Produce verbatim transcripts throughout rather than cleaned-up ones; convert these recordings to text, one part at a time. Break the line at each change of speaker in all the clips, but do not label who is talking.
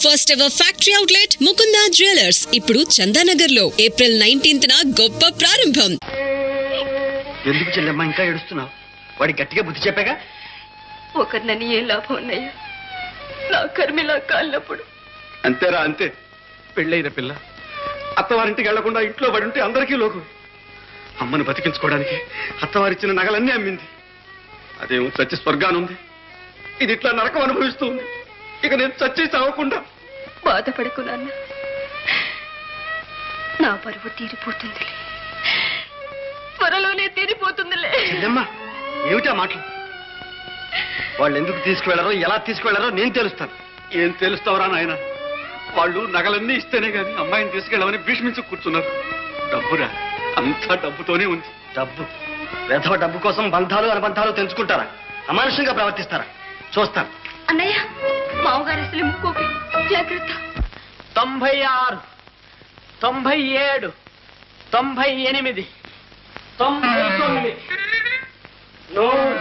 First ever factory outlet Mukunda jewellers ఇప్పుడు చందానగర్ లో April nineteenth గొప్ప ప్రారంభం.
ఎందుకు చెల్లెమ్మ ఇంకా ఏడుస్తున్నావు? వాడి గట్టిగా బుద్ధి చెప్పాగా.
ఒకరినని ఏ లాభం ఉన్నాయా? నా కర్మిలా కాళ్ళప్పుడు.
అంతేరా అంతే. పెళ్ళైన పిల్ల అత్తవారింటికి వెళ్లకుండా ఇంట్లో పడి ఉంటే అందరికీ లోకం. అమ్మను బతికించుకోవడానికి అత్తవారిచ్చిన నగలన్నీ అమ్మింది. అదేమో చచ్చి స్వర్గానుంది. ఇది ఇట్లా నరకం అనుభవిస్తూ ఉంది. ఇక నేను చచ్చి చావకుండా.
బాధపడకు నాన్న, నా పరువు తీరిపోతుందిలే, త్వరలోనే తీరిపోతుందిలే.
చెల్లెమ్మ ఏమిటా మాటలు? వాళ్ళు ఎందుకు తీసుకువెళ్లారో ఎలా తీసుకువెళ్లారో నేను తెలుస్తాను. ఏం తెలుస్తావరా నాయన? వాళ్ళు నగలన్నీ ఇస్తేనే గాని అమ్మాయిని తీసుకెళ్ళమని భీష్మించి కూర్చున్నారు. డబ్బురా, అంతా డబ్బుతోనే ఉంది. డబ్బు వెధవ డబ్బు కోసం బంధాలు అనుబంధాలు తెంచుకుంటారా? అమానుషంగా ప్రవర్తిస్తారా? చూస్తాను.
అన్నయ్య, మామగారు అసలు ముక్కోపి, జాగ్రత్త.
తొంభై ఆరు, తొంభై ఏడు, తొంభై ఎనిమిది, తొంభై తొమ్మిది, నూరు.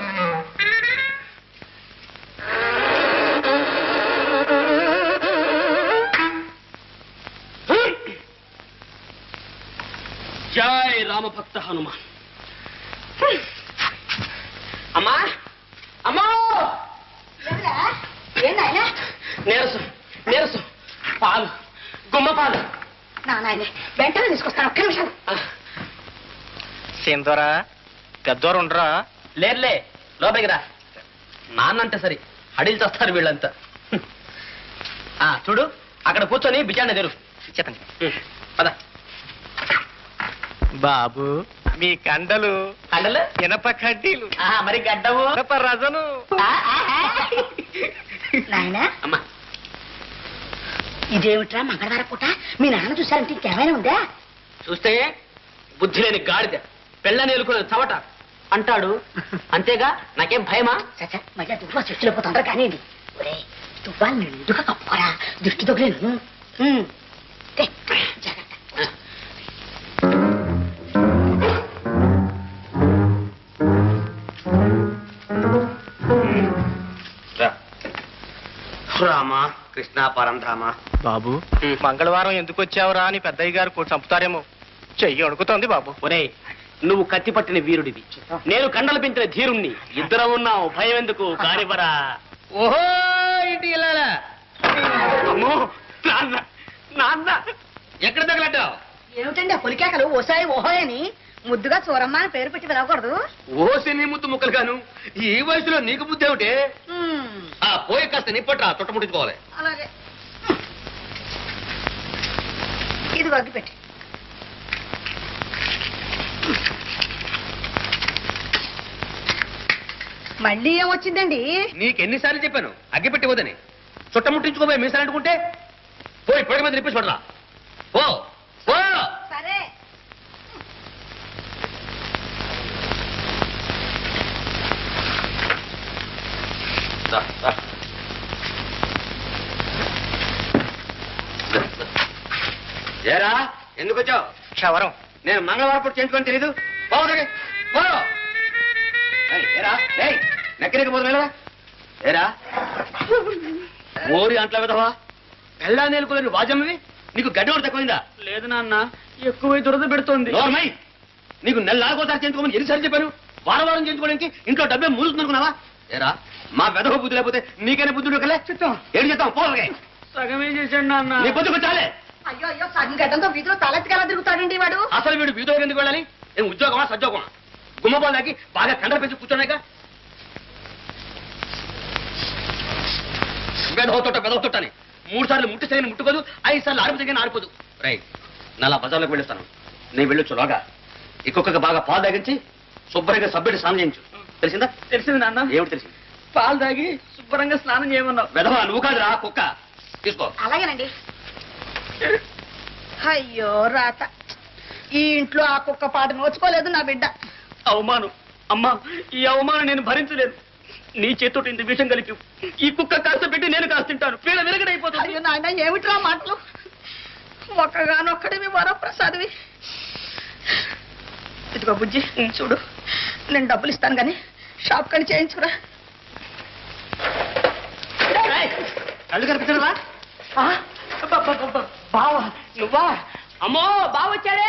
జై రామభక్త హనుమాన్. అమ్మా అమ్మా, నీరసం నీరసం, పాలు, గుమ్మ పాలు.
నాయనే వెంటనే తీసుకొస్తాను, ఒక్క నిమిషం.
సింధోరా, పెద్దోరు ఉండరా? లేర్లే, లోపలికి రా. నాన్నంటే సరి అడిగి చేస్తారు వీళ్ళంతా. ఆ చూడు, అక్కడ కూర్చొని బిజాన్ని తెరు చెప్పండి. పద బాబు. మీ కండలు కండలు ఇనప కడ్డీలు, మరి గడ్డవు ఇనప రజను.
నాయనా,
అమ్మా
ఇదేమిట్రా మంగళవార పూట? మీ నాన్న చూసారంటే ఇంకేమైనా ఉందా?
చూస్తే బుద్ధి లేని గాడిద, పెళ్ళని ఎలుకునే చవట అంటాడు. అంతేగా, నాకేం భయమా?
చచ్చా, మళ్ళీ దువ్వా చెట్టులో పోతుండ్రా కానీ ఒరే, దువ్వా నిండుగా కప్పుకోరా, దిష్టి తొగలేను. జాగ్రత్త.
రామా కృష్ణ పరంధామ.
బాబు, మంగళవారం ఎందుకు వచ్చావురా అని పెద్దయ్య గారు చంపుతారేమో. చెయ్యి అడుగుతోంది బాబు. ఒరే, నువ్వు కత్తి పట్టిన వీరుడివి, నేను కండలు పెంచిన ధీరుణ్ణి. ఇద్దరం ఉన్నావు, భయం ఎందుకు? కానివరా. ఓహో, ఇంటి వెళ్ళాలా? అమ్మో, నాన్న నాన్న, ఎక్కడ తగలట్టావు?
ఏమిటండి ఆ పొలికేకలు? ఓసాయి ఓహోయ్ అని ముద్దుగా చూరమ్మ అని పేరు పెట్టి పిలవకూడదు?
ఓసి నీ ముద్దు ముక్కలు గాను, ఈ వయసులో నీకు బుద్ధి ఏమిటే? ఆ పోయి కాస్త నిప్పట్రా, చుట్టముట్టించుకోవాలి.
అలాగే, ఇది వగ్గి పెట్టి. మళ్ళీ ఏమొచ్చిందండి?
నీకెన్నిసార్లు చెప్పాను అగ్గి పెట్టి వద్దని. చుట్టముట్టించుకోబోయే మీసాలు అంటుకుంటే పోయి పొడి మీద నిప్పి చూడరా. ఓ ఓ
సరే.
ఏరా ఎందుకు వచ్చావు?
క్షవరం.
నేను మంగళవారం పూట చేయించుకొని తెలీదు. ఏరా నెక్కరికి పోదు వెళ్ళరా. ఏరా ఓరి అంట్ల విధవా, పెళ్ళా నేలుకోలేని వాజమ్మవి, నీకు గడ్డోడు తక్కువైందా?
లేదు నాన్న, ఎక్కువ దురద పెడుతోంది.
నోర్మై, నీకు నెల నాలుగోసారి చేయించుకోమని ఎన్నిసార్లు చెప్పాను? వారం వారం చేయించుకోవడానికి ఇంట్లో డబ్బే మూలుతుందనుకున్నావా? ఏరా మా వెధవ బుద్ధి లేకపోతే నీకైనా బుద్ధుడు కలే. ఏం చేస్తాం? పోలే
సగమే చేశాడు నాన్న.
నీ బుద్ధి చాలే.
అయ్యో అయ్యో, సగం గడ్డంతో వీధిలో తలెత్తికెలా తిరుగుతాడండి వాడు?
అసలు వీడు వీధిలోకి ఎందుకు వెళ్ళాలి? ఏం ఉద్యోగమా సద్యోగమా? గుమ్మపాలు దాకి బాగా కండలు పెంచి కూర్చోన్నాక వెదవుతోట వెదవుతోటని మూడు సార్లు ముట్టి సరైన ముట్టుకోదు, ఐదు సార్లు ఆరుపు దగ్గర ఆరిపోదు. రైట్, నలా బజార్లోకి వెళ్ళిస్తాను. నేను వెళ్ళొచ్చు లోగా ఇంకొక బాగా పాలు తాగించి శుభ్రంగా సబ్బెట్టి స్నానం చేయించు. తెలిసిందా?
తెలిసింది నాన్న.
ఏమిటి తెలిసింది?
పాలు తాగి శుభ్రంగా స్నానం చేయమన్నావు.
వెధవా, నువ్వు కాదురా కుక్క. తీసుకో.
అలాగేనండి. అయ్యో రాత, ఈ ఇంట్లో ఆ కుక్క పాట నోచుకోలేదు నా బిడ్డ.
అవమానం అమ్మా, ఈ అవమానం నేను భరించలేను. నీ చేతితో ఇంత విషయం కలిపి ఈ కుక్క కాస్త పెట్టి నేను కాస్త తింటాను. పీడ వెరగడైపోతుంది.
అయ్యో నాయన, ఏమిట్రా మాటలు? ఒక్కగానొక్కడివి వరప్రసాదివి. ఇదిగో బుజ్జి, చూడు, నేను డబ్బులు ఇస్తాను కానీ షాప్ కని చేయించుకురా.
కళ్ళు కనిపించరా?
బావా నువ్వా? అమ్మో బావ వచ్చాడే.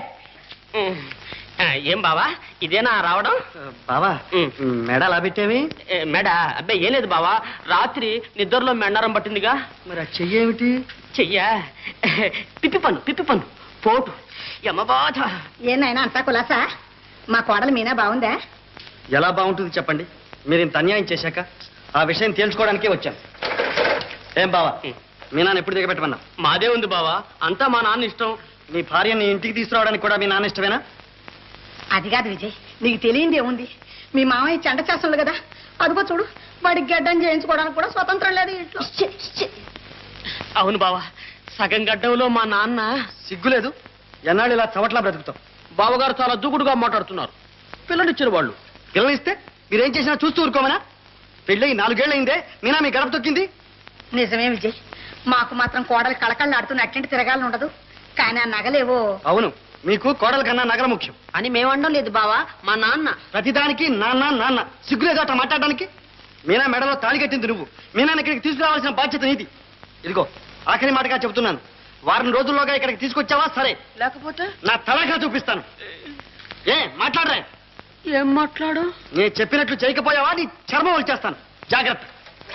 ఏం బావా ఇదేనా రావడం?
బావా
ఉమ్.
మెడ అలా పెట్టేవి?
ఏ, మెడ అబ్బాయి ఏం లేదు బావా, రాత్రి నిద్రలో మెండారం పట్టిందిగా.
మరి ఆ చెయ్యేమిటి?
చెయ్యా పిప్పి పన్ను పిప్పి పన్ను పోటు యమ బాధ.
ఏనాయనా అంతా కులాసా? మా కోడలు మీనా బాగుందా?
ఎలా బాగుంటుంది చెప్పండి? మీరు ఇంత అన్యాయం చేశాక ఆ విషయం తేల్చుకోవడానికే వచ్చాను. ఏం బావా, మీ నాన్న ఎప్పుడు దిగబెట్టమన్నా?
మాదే ఉంది బావా, అంతా మా నాన్న ఇష్టం.
మీ భార్యని ఇంటికి తీసుకురావడానికి కూడా మీ నాన్న ఇష్టమేనా?
అది కాదు విజయ్, నీకు తెలియంది ఏముంది? మీ మామయ్య చెండ చేస్తుండు కదా, అదిగో చూడు, వాడికి గడ్డం చేయించుకోవడానికి కూడా స్వతంత్రం లేదు ఇంట్లో.
అవును బావా, సగం గడ్డంలో మా నాన్న.
సిగ్గులేదు? ఎన్నాళ్ళు ఇలా చవట్లా బ్రతుకుతాం?
బావగారు చాలా దూకుడుగా మాట్లాడుతున్నారు. పిల్లనిచ్చిన వాళ్ళు
పిల్లనిస్తే మీరేం చేసినా చూస్తూ ఊరుకోమనా? పెళ్ళి నాలుగేళ్ళు అయిందే, మీనా మీ గడప తొక్కింది.
నిజమే విజయ్, మాకు మాత్రం కోడలు కళకళ్ళు ఆడుతున్న అట్టింటి తిరగాలని ఉండదు. కానీ ఆ నగలేవో.
అవును, మీకు కోడల కన్నా నగర ముఖ్యం
అని మేమండం లేదు బావా, మా నాన్న.
ప్రతిదానికి నాన్న నాన్న. సిగ్గులేదు అట్లా మాట్లాడడానికి? మీనా మెడలో తాళి కట్టింది నువ్వు, మీనాన్ని ఇక్కడికి తీసుకురావాల్సిన బాధ్యత నీది. ఇదిగో ఆఖరి మాటగా చెబుతున్నాను, వారం రోజుల్లోగా ఇక్కడికి తీసుకొచ్చావా సరే,
లేకపోతే
నా తలగా చూపిస్తాను. ఏ మాట్లాడరా?
ఏం మాట్లాడు?
నేను చెప్పినట్లు చేయకపోయావా నీ చర్మం వచ్చేస్తాను. జాగ్రత్త.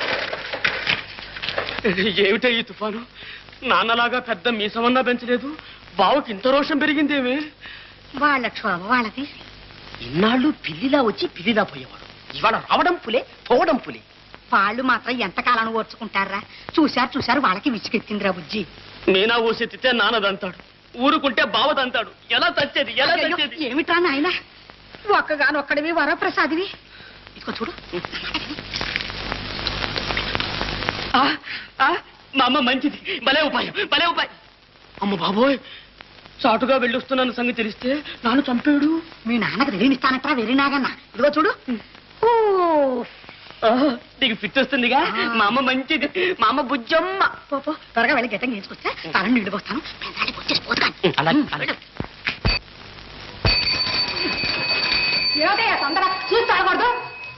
ఏమిటో ఈ తుఫాను, నాన్నలాగా పెద్ద మీసమన్నా పెంచలేదు, బావకి ఇంత రోషం పెరిగిందేమి?
వాళ్ళ క్షోభ వాళ్ళది.
ఇన్నాళ్ళు పిల్లిలా వచ్చి పిల్లిలా పోయేవాడు, ఇవాళ రావడం పులే పోవడం పులి.
వాళ్ళు మాత్రం ఎంతకాలం ఓర్చుకుంటారా? చూశారు చూశారు వాళ్ళకి విచ్చికెత్తిందిరా బుజ్జి.
మీనా ఊసెత్తితే నాన్నదంతాడు, ఊరుకుంటే బావదంతాడు. ఎలా తచ్చేది ఎలా తచ్చేది?
ఏమిట్రా నాయన, ఒక్కగానొక్కడివి వరప్రసాదివి. ఇదిగో చూడు,
ఆ, ఆ, మా అమ్మ మంచిది, భలే ఉపాయం భలే ఉపాయం. అమ్మ బాబోయ్, చాటుగా వెళ్ళొస్తున్నాను సంగతి తెలిస్తే నాన్న చంపాడు.
మీ నాన్నకు వెరినిస్తానట్రా వెరినాగన్నా. ఇదిగో చూడు. ఓ
ఆ, నీకు ఫిట్ వస్తుందిగా. మా అమ్మ మంచిది, మా అమ్మ బుజ్జమ్మ.
పో, పో, త్వరగా వెళ్ళి గెట్టం చేసుకొస్తే తలని నీళ్ళు పోస్తాను.
అలాగే, అలాగే.
ఏమిటయ్యా తొందర, చూసి తాగకూడదు.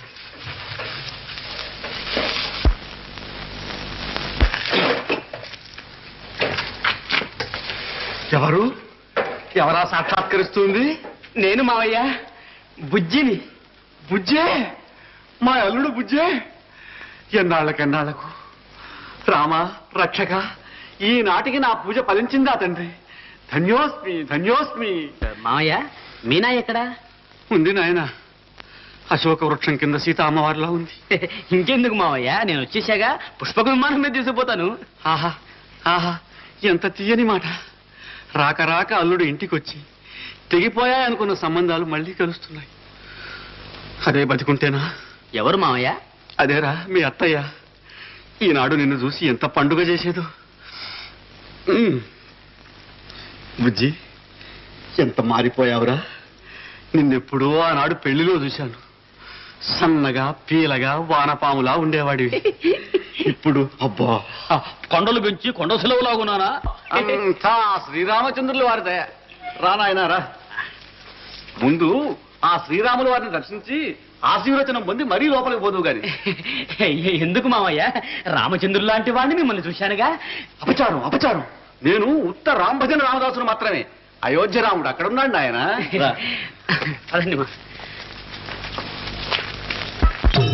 ఎవరు ఎవరా సాక్షాత్కరిస్తుంది?
నేను మావయ్య బుజ్జిని.
బుజ్జే, మా అల్లుడు బుజ్జే. ఎన్నాళ్ళకెన్నాళ్లకు రామ రక్షక, ఈనాటికి నా పూజ ఫలించిందా తండ్రి? ధన్యోస్మి ధన్యోస్మి.
మావయ్య మీనా ఎక్కడా?
ఉంది నాయన, అశోక వృక్షం కింద సీత అమ్మవారిలా ఉంది.
ఇంకెందుకు మావయ్య, నేను వచ్చేసాగా, పుష్పక విమానం మీద తీసుకుపోతాను.
ఆహా ఆహా, ఎంత తీయని మాట. రాక రాక అల్లుడు ఇంటికొచ్చి తెగిపోయాయనుకున్న సంబంధాలు మళ్ళీ కలుస్తున్నాయి. అదే బతికుంటేనా?
ఎవరు మావయ్య?
అదేరా మీ అత్తయ్య. ఈనాడు నిన్ను చూసి ఎంత పండుగ చేసేదో. ఉమ్. బుజ్జి, ఎంత మారిపోయావురా. నిన్నెప్పుడో ఆనాడు పెళ్లిలో చూశాను. సన్నగా పీలగా వానపాములా ఉండేవాడివి. ఇప్పుడు అబ్బా,
కొండలు పెంచి కొండ సెలవులాగున్నానా?
అంతా శ్రీరామచంద్రుల వారిదే. రానాయన రా. ముందు ఆ శ్రీరాముల వారిని దర్శించి ఆశీర్వచనం పొంది మరీ లోపలికి పోదువు గాని.
ఎందుకు మావయ్య, రామచంద్రుడు లాంటి వాడిని మిమ్మల్ని చూశానుగా.
అపచారం అపచారం. నేను ఉత్త రాంభజన రామదాసును మాత్రమే. అయోధ్య రాముడు అక్కడ ఉన్నాడు ఆయన.
అదండి మా